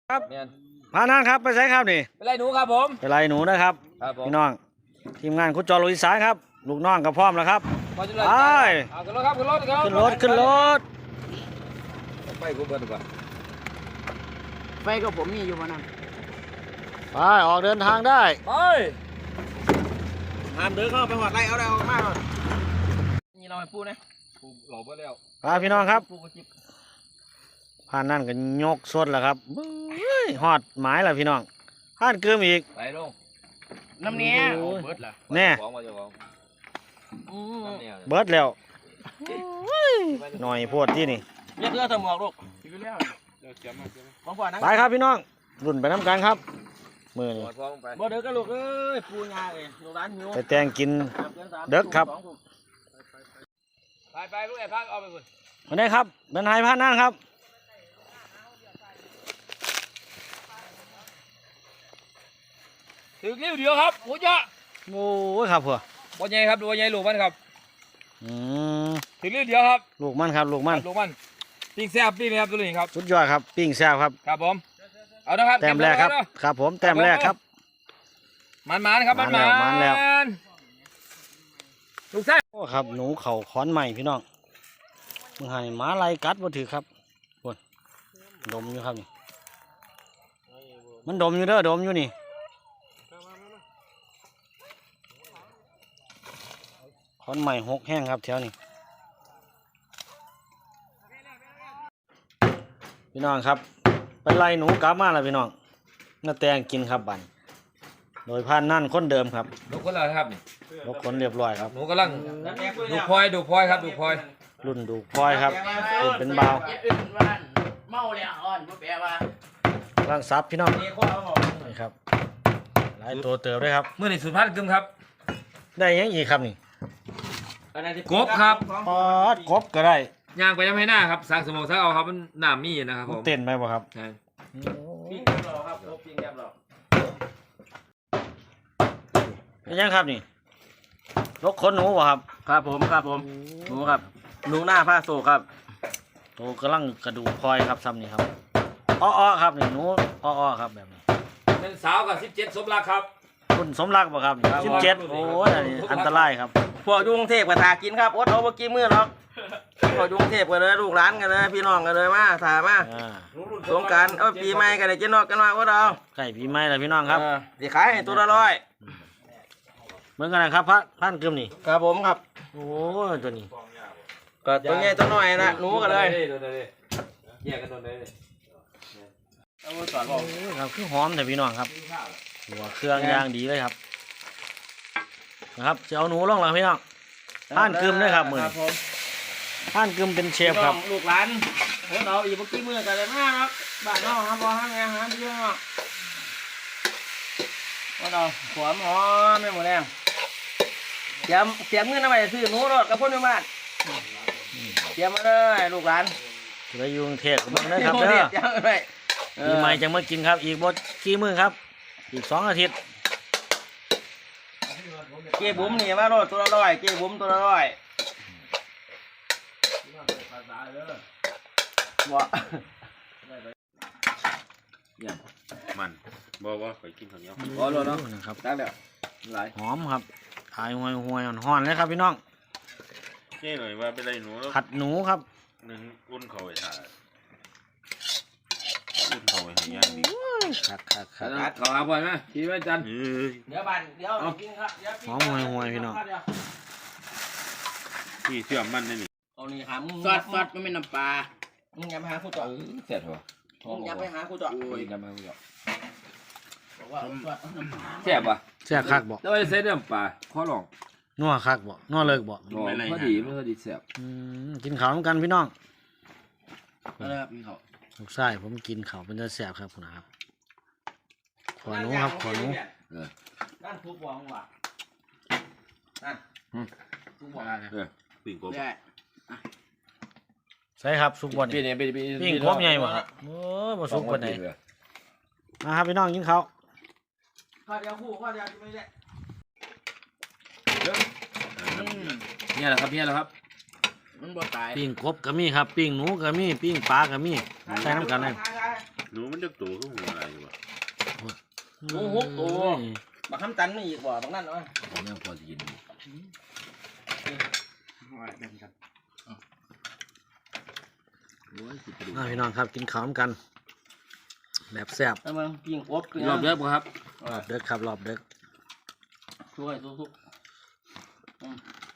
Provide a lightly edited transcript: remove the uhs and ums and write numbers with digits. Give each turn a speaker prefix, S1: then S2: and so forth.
S1: ครับพานั่งครับไปใช้ครับนี่
S2: เป็นไรหนูครับผม
S1: เป็นไรหนูนะครับพี่น้องทีมงานคุณจอลุยสายครับลูกน้องกับพร้อมแล้วครับไปขึ้น
S2: รถครับขึ้นรถครับ
S1: ขึ้นรถ
S2: ไปกูเบิร์ดดีกว่า
S3: ไฟก็ผมมีอยู่วันนั้น
S1: ไปออกเดินทางได้
S2: ไป
S3: ห้ามเดินเข้าไปหอดไรเอาได้ออกมาก่อนนี่เราไปปูนะ
S2: ปูหล่อเบิร์ดแล้ว
S1: ไปพี่น้องครับผ่านนั่นก็ยกสดแล้วครับหอดหมายแล้วพี่น้องผ่านเกิมอีก
S2: ไปลง
S3: น้ำเนี้ยเบิร์ดล่ะ
S1: แน่เบิร์ดแล้วหน่อยพวดที่นี่
S3: เลือกเธอหมวกลูก
S1: ไปครับพี่น้องรุ่นไปน้ำกันครับมือนี่
S3: บ่เด็กก็ลูกเอ้ยปูงาเลยลูกร้านหิว
S1: ไปแตงกินเด็กครับ
S2: ไปลูกไอ้พักเอาไปคุณ
S1: มาได้ครับเดินหายผ่านนั่นครับ
S2: ถึงเดียวครับโอ้ย
S1: โอ้ยครับเพื่
S2: อบอลใหญ่ครับบอลใหญ่ลูกมันครับถึงเดียวครับ
S1: ลูกมันครับลูกมัน
S2: ปิ้งแซ่บปิ้งครับตัวนี้ครับ
S1: สุดยอดครับปิ้งแซ่บครับ
S2: ครับผมเอานะครับ
S1: แต้มแรกครับครับผมแต้มแรกครับ
S2: มันครับมัน
S1: แล้ว
S2: ลูกแซ่บ
S1: โอ้ครับหนูเข่าค้อนใหม่พี่น้องมึงให้หมาไล่กัดบ่ถือครับปวดดมอยู่ครับนี่มันดมอยู่เด้อดมอยู่นี่ค้อนใหม่หกแห้งครับแถวนี้พี่น้องครับไปไล่หนูกลับมาแล้วพี่น้องน่าแตงกินครับบันโดยพันนั่นคนเดิมครับ
S2: ลูกคนอะไรครับนี่
S1: ลูกคนเรียบร้อยครับ
S2: หนูกำลังดูพลอยครับดูพลอย
S1: รุ่นดูพลอยครับรุ่นเป็นเบา
S3: เมาเลยอ่อนแปลว่า
S1: ร่างซับพี่น้องนี่ครับหลายตัวเติบด้วยครับ
S2: เมื่อนี่สุดพันกึมครับ
S1: ได้ยังอีกครับนี่
S2: กบครับ
S1: ปอดกบก็ได้
S2: ย่างไปยังให้หน้าครับสักสมองสักเอาครับมันหนามมีนะครับผม
S1: เต้นไหมบ่ครับ
S2: ใช่
S3: ปิ้งแกบหรอครับปิ้งแกบหรอ
S1: ยังครับนี่ลกขนหนูบ่ครับ
S3: ครับผมหนูครับหนูหน้าผ้าโศกครับ
S1: โตกำลังกระดูกพลอยครับซ้ำนี่ครับอ้อครับนี่หนูอ้อครับแบบนี้
S2: เป็นสาวกับ17สมรักครับ
S1: คุณสมรักบ่ครับ17โอ้ยอันตรายครับ
S3: พวกยุงเทพกับทากินครับอดเอาเมื่อกี้มือหรอกพวกยุงเทพกันเลยลูกหลานกันเลยพี่น้องกันเลยมาถามมาสงการปีใหม่กันเลยกินนอกกันมาอดเอา
S1: ใกล้ปีใหม่แล้วพี่น้องครับ
S3: เดี๋ยวขายให้ตัวละ100
S1: เหมือนกันนะครับพันกึมนี่
S3: ครับผมครับ
S1: โอ้ตัวนี้
S3: ก็ตัวใหญ่ตัวน้อยนะหนูกันเลย
S2: แยกกันตัวเลย
S1: ครับคือหอมแต่พี่น้องครับหัวเครื่องย่างดีเลยครับนะครับจะเอาหนูลงหลังพี่น้องผ่านกึมด้วยครับมือผ่านกึมเป็นเชฟครับ
S3: ลูกหลานเราอีกเมื่อกี้มือกันเลยมากครับบ้านนอกครับพอห้างงานหาพี่น้องว่าเราขวหอมไม่หมดแรงเตรียมเงินเอาไปซื้อหนูรถกับพ่นบ้านเตรียมมาเลยลูกหลาน
S1: จะอยู่กรุงเทพกับมึงนะครับเด้อปีใหม่จะมากินครับอีกบดกี่มื้อครับอีก2 อาทิตย์
S3: เก็บบุ้มนี่มาโรดตัวละ100เก็บบุ้มตัวละ100บ่
S2: เนี่ยมันบ่เคยกินข้าวเหนียว
S3: บ่โลเนาะ
S1: นะครับ
S3: ได้แล้วหลาย
S1: หอมครับถ่ายห่วยห่อนเลยครับพี่น้อง
S2: เจ๊หน่อยว่าเป็นไรหนู
S1: ผัดหนูครับ
S2: อุ่นเขาไว้ถ่ายอุ่นเขาไว้ให้ย่างดี
S1: คัก
S2: ขอบ่อยไหมคิดว่าจัน
S3: เดี๋ยวกินครับ
S1: หอมห่วยพี่น้อง
S2: ที่เชื่อมันนี่
S3: เอานี่หามึงซอสมันเป็นน้ำปลามึงอย่าไปหาคู่จ่อ
S2: เสร็จเหรอ
S3: มึงอย่าไปหาคู่จ่อ
S2: อย่าไปหาคู่จ่อ
S3: บอกว่าซอสน้ำปลา
S2: แซ่บป่ะ
S1: แซ่บคักบ่
S2: แล้วไอ้เส้นน้ำปลาขอลอง
S1: นัวคักบ่นัวเลิกบ่
S2: พอดีแซ่บ
S1: กินข้าวกันพี่น้อง
S3: อะไรครับพี่เขา
S1: ลูกชายผมกินข้าวเป็นจะแซ่บครับคุณนะครับขอหนูครับขอหนู
S3: ด้านทุกวางว่ะนั่นทุกวาง
S2: ปิ้งกบ
S1: ใช่ครับสุกบนปิ้งกบใหญ่บ่ครับโอ้บ่สุกบนไหนมาครับพี่น้องกินข้าว
S3: ข้าวเดียวคู่ข้าวเดียวไม่ได้
S2: เนี่ยแหละครับ
S3: มันบ่ตาย
S1: ปิ้งกบก็มีครับปิ้งหนูก็มีปิ้งปลาก็มีใส่น้ำกันเลย
S4: หนูมันจะโตขึ้นหัวอะไรวะ
S3: โอ้โหโอ้บักคำตันไม่อีกบ่บักนั่นเนาะ
S4: ผมยังพอจะกิน
S1: พี่น้องครับกินข้าวกันแบบแซ่บ
S3: ทำไมปิ้งอบ
S4: รอบเยอะป่ะครับ
S1: รอบเด็กครับรอบเด็ก
S3: ช่วยทุก